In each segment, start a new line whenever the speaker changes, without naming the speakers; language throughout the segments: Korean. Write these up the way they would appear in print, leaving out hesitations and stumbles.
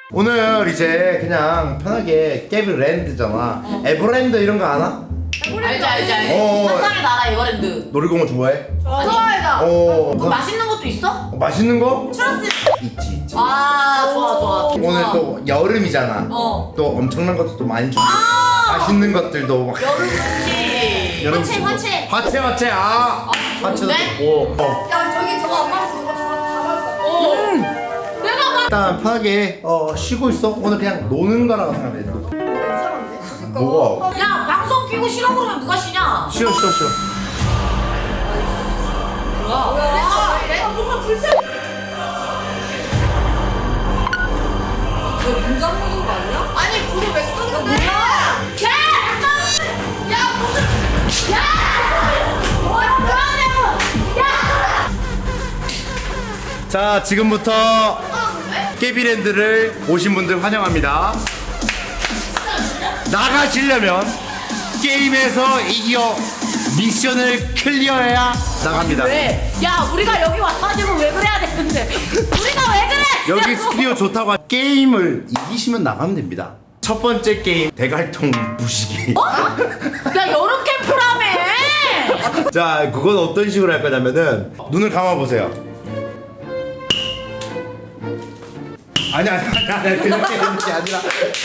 오늘 이제 그냥 편하게 깨비랜드잖아. 에버랜드 이런 거 아나?
알지. 환상의 나라 에버랜드.
놀이공원 좋아해?
좋아해다.
뭐 맛있는 것도 있어?
맛있는 거?
추러스.
있지.
아 좋아.
오늘 또 여름이잖아. 또 엄청난 것도 또 많이 좀 맛있는 것들도 막
여름 음식.
여름
화채.
화채 화채도
좋은데?
좋고.
야 저기 저거 엄마 저거 다
내가 막
일단 편하게 쉬고 있어. 오늘 그냥 노는 거라고 생각해.
이상한데?
뭐가?
야 방송 끼고 쉬라고 그러면 누가 쉬냐?
쉬어.
뭐야?
뭔가 불쌍해. 문 잠그는 거 아니야? 아니 불을 왜 끄는 거야?
자, 지금부터 깨비랜드를 오신 분들 환영합니다. 나가시려면 게임에서 이겨 미션을 클리어해야 나갑니다.
왜? 야 우리가 여기 와가지고 왜 그래야 되는데? 우리가 왜 그래?
여기 스튜디오 좋다고 게임을 이기시면 나가면 됩니다. 첫 번째 게임 대갈통 부시기.
야 여름 캠프라며.
자, 그건 어떤 식으로 할 거냐면은 눈을 감아 보세요. 아니야 그냥 때리는 게 아니라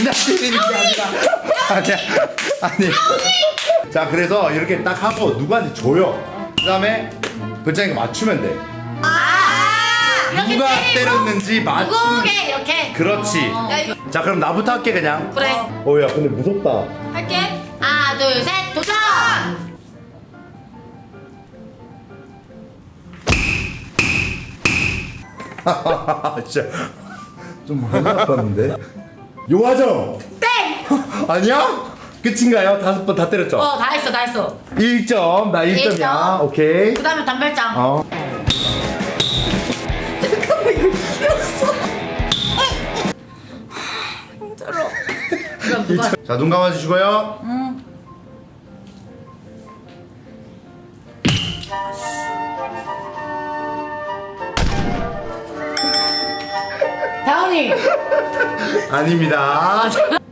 아니. 자, 그래서 이렇게 딱 하고 누구한테 줘요. 그 다음에 글자니까 맞추면 돼.
이렇게
누가
때리고
때렸는지 맞추는.
누구게 이렇게.
그렇지. 자, 그럼 나부터 할게 그냥.
그래.
야 근데 무섭다.
할게. 하나 둘 셋 도전.
진짜 좀 많이 아팠는데. 요화정.
땡.
아니야? 끝인가요? 5번 다 때렸죠?
다 했어.
1점. 나 1점이야.
일점.
오케이.
그 다음에 단발장.
잠깐만 이거 이겼어.
그럼 누가?
자, 눈 감아주시고요.
다운이.
아닙니다.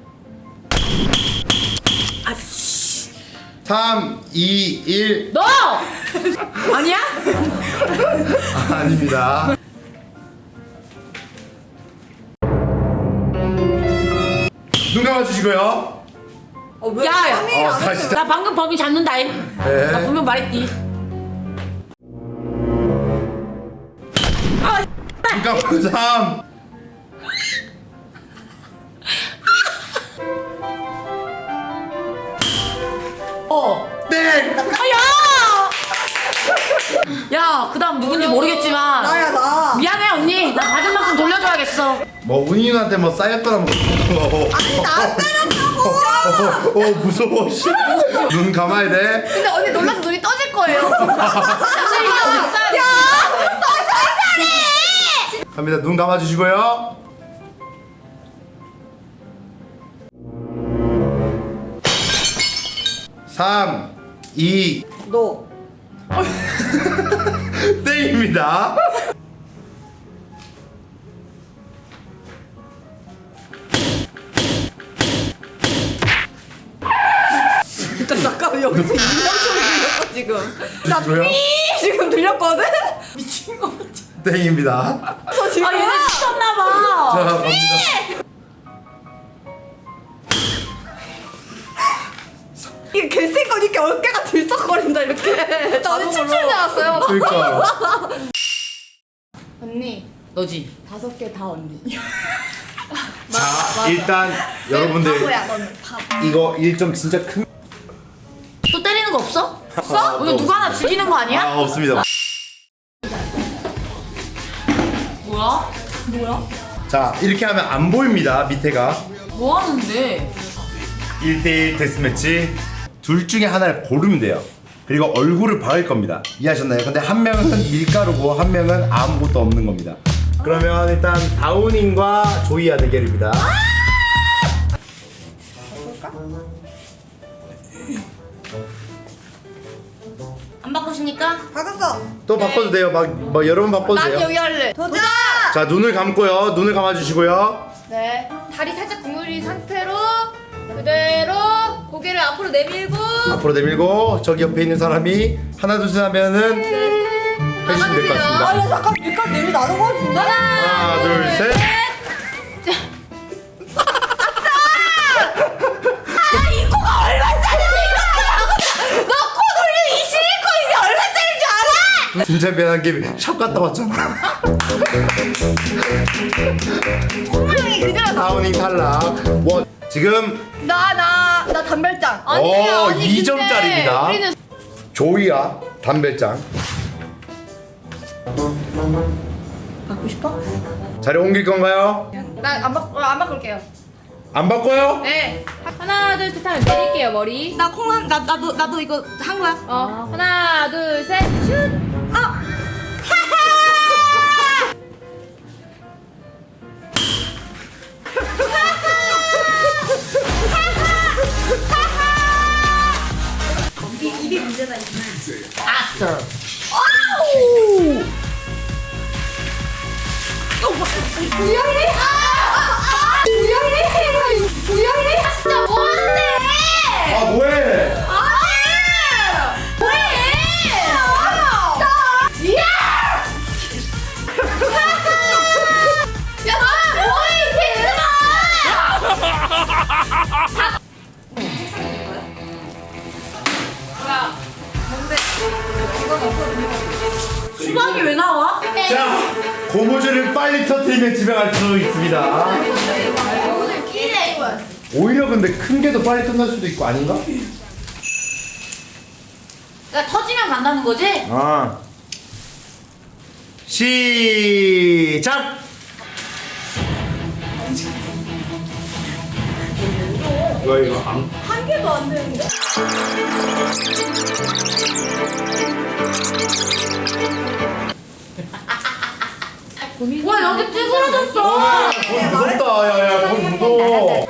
아씨.
3, 2, 1.
너. 아니야?
아닙니다. 눈 감아주시고요.
왜?
야야.
아니, 안
다시.
했어.
나 방금 범인 잡는다잉.
네.
나 분명 말했디.
눈 감고 3. 땡!
야, 그다음 누군지 모르겠지만
나야 나.
미안해 언니. 나 받은 만큼 돌려줘야겠어.
뭐 운이한테 뭐 쌓였거나 뭐.
아니 나 때렸다고.
무서워. 씨. 눈 감아야 돼.
근데 언니 놀라서 눈이 떠질 거예요.
야,
갑니다. 눈 감아주시고요. 삼, 2,
너.
땡입니다.
잠깐만 여기서 인명 소리 들렸어 지금. 나
뭐야?
지금 들렸거든?
미친 거 같아.
땡입니다.
저 지금.
아, 얘네 미쳤나 봐.
자, 갑니다.
이게 개새가 이렇게 어깨가 들썩거린다 이렇게. 나는 춤출 줄 알았어요.
그러니까.
언니
너지.
5개 다 언니.
자, 일단 여러분들
바보야 너는 바보.
이거 1점 진짜 큰.
또 때리는 거 없어?
없어?
오늘 누가 하나 죽이는 거 아니야?
없습니다.
뭐야?
자, 이렇게 하면 안 보입니다. 밑에가.
뭐 하는데?
1대1 데스매치. 둘 중에 하나를 고르면 돼요. 그리고 얼굴을 박을 겁니다. 이해하셨나요? 근데 한 명은 밀가루고 한 명은 아무것도 없는 겁니다. 그러면 일단 다운님과 조이아 대결입니다.
안 바꾸십니까?
바꿨어.
또 바꿔도 돼요. 막 여러 번 바꿔도
난
돼요.
여기 할래. 도전.
자, 눈을 감고요. 눈을 감아주시고요.
네. 다리 살짝 구부린 상태로 그대로 고개를 앞으로 내밀고
앞으로 내밀고 저기 옆에 있는 사람이 하나 둘 셋 하면은 해주시면 될 것 같습니다.
아니 잠깐 밀가루 냄새 나는 거 같은데?
하나 둘 셋.
이 코가 얼마짜리인데 이거 너코 돌려 이 실리콘 이게 얼마짜리인 줄 알아?
진짜 미안한 게 샵 갔다 왔잖아.
콧물이 그대로 나.
다운닝 탈락. 원. 지금
나 단발장.
오 2점짜리입니다.
우리는
조이야 담배짱.
받고 싶어?
자리 옮길 건가요?
안 바꿀게요.
안 바꿔요?
네.
하나 둘 셋 하면 내릴게요 머리.
나 콩한 나도 이거 한 거야.
하나 둘 셋 슛.
입이 문제다.
아싸.
우영이 우영이 진짜 뭔데?
아 뭐해?
뭐해? 야, 너 뭐해 수박이 왜 나와?
자 고무줄을 빨리 터뜨리면 집에 갈 수 있습니다.
오늘 끼네 이거.
오히려 근데 큰 게 더 빨리 끝날 수도 있고 아닌가?
그러니까 터지면 간다는 거지?
아 시작. 이거
한 개도 안 되는데?
와 여기 찌그러졌어.
거기 무섭다. 야야 거기 무서워.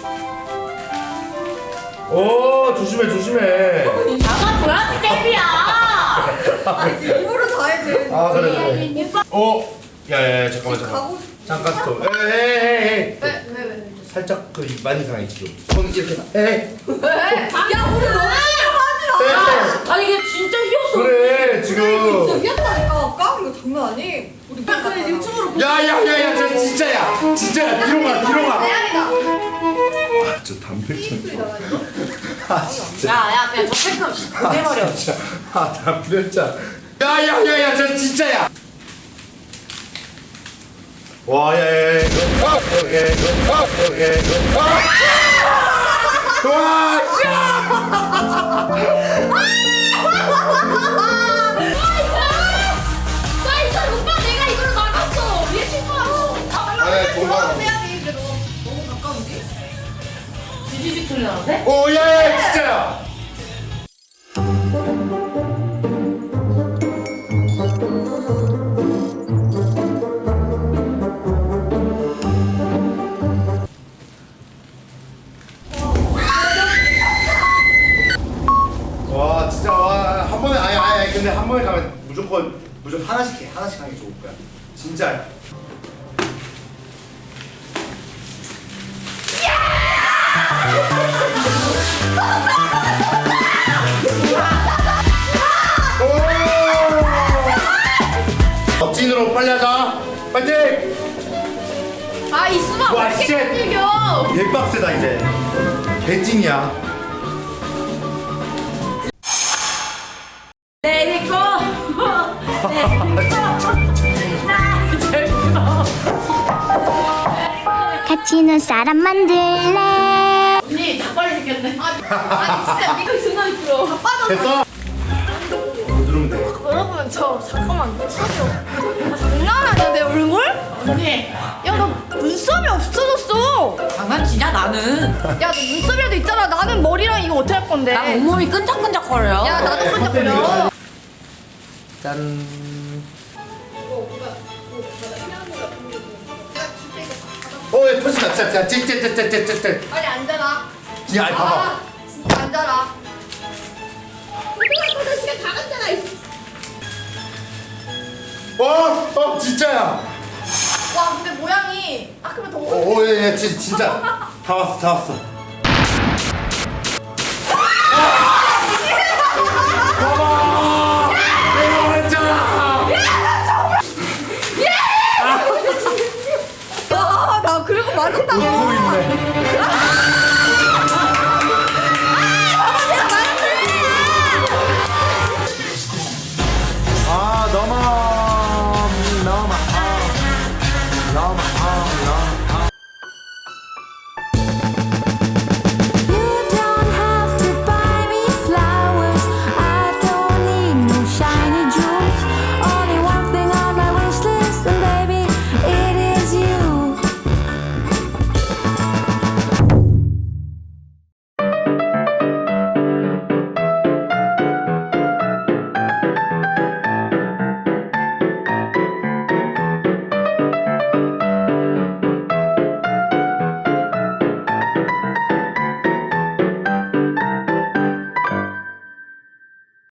오 조심해.
나가 줘야지 탭이야.
일부러 다 해야
아 그래. 야야야 잠깐만.
가고
잠깐 스톱. 에이.
왜?
살짝 그 많이 상해 지금. 손 이렇게. 에이.
야 우리 너무 하지 마.
아니 이게 진짜 휘었어.
그래 지금.
미안하니까 깡 이거 장난 아니? 우리 그래 유튜브로
야야야야 저 진짜야 뒤로 가.
대박이다.
저 담배짱. 아 진짜.
야야 그냥 저 팩트 보내버려.
진짜. 아 담배짱. 야야야야 저 진짜야. 와 야야야. 와 씨.
오빠 내가 이걸로 나갔어. 얘 친구하고.
네, 도망.
해야지 그래도 너무 가까운데?
지지직 소리 나는데?
오 야야 진짜야. 와 진짜 와한 번에 아니 근데 한 번에 가면 무조건 하나씩 하는 게 좋을 거야 진짜. 억진으로 빨리 하자. 파이팅!
아이 수박
와,
왜 이렇게
쉣.
찔겨?
개빡세다 이제. 개찐이야.
내내 거.
같이 눈 사람 만들래.
언니 다 빨리 생겼네.
아니 진짜 믿고 순간 들어. 다 빠졌어.
됐어? 누르면 돼.
여러분 저 잠깐만 눈썹이 장난 아니야 내 얼굴?
언니
야 너 눈썹이 없어졌어.
장난치냐 나는.
야 너 눈썹이라도 있잖아. 나는 머리랑 이거 어떻게 할 건데?
나 온몸이 끈적끈적거려.
야 나도 끈적거려.
짠. 야 터진다. 짜. 찌.
빨리 앉아라.
야 봐봐.
아 진짜 앉아라. 어떡할 시간 다 갔잖아.
진짜야.
아니 그러면 더
오예 진짜 다 왔어. 봐봐 내가 말했잖아.
나 그리고 맞았다고.
웃고 있네. 아 너무